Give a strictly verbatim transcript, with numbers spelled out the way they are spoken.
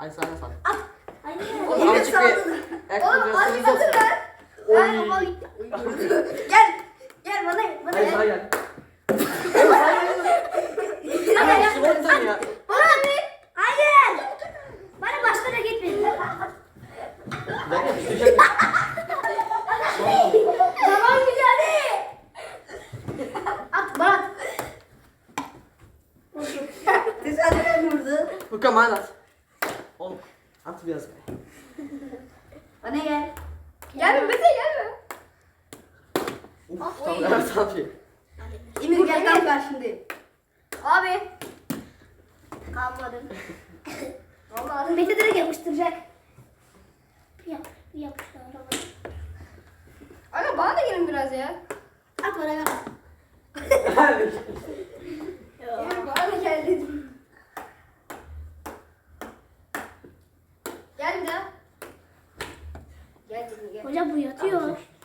Hadi sana sal. At. Hayır. Oğlum Yine azıcık bir saldın. ayakkabı Oğlum az bir gösteriniz katır olsun. ver. Ver baba gitti. Gel. Gel bana bana Hayır gel. sana gel. Oğlum hayır. Bana Hayır gel. su verin ya. Bana bir. Hayır. Bana başka da gitmeyin. Bir dakika düşecek. Tamam güzel. At bana at. Tesadüfen vurdu. Furkan bana at. Oğlum at biraz be. Bana gel. Gelme Mete gelme. Uf tamam evet abi. Emir gel tam karşındayım. Abi. Kalmadım. Vallahi Mete direkt yapıştıracak. Yap, yapıştır. Aga bana da gelin biraz ya. At bana gel. Emir bana da gel dedim. Gel bir daha. Gel dedim gel. Hocam bu yatıyor.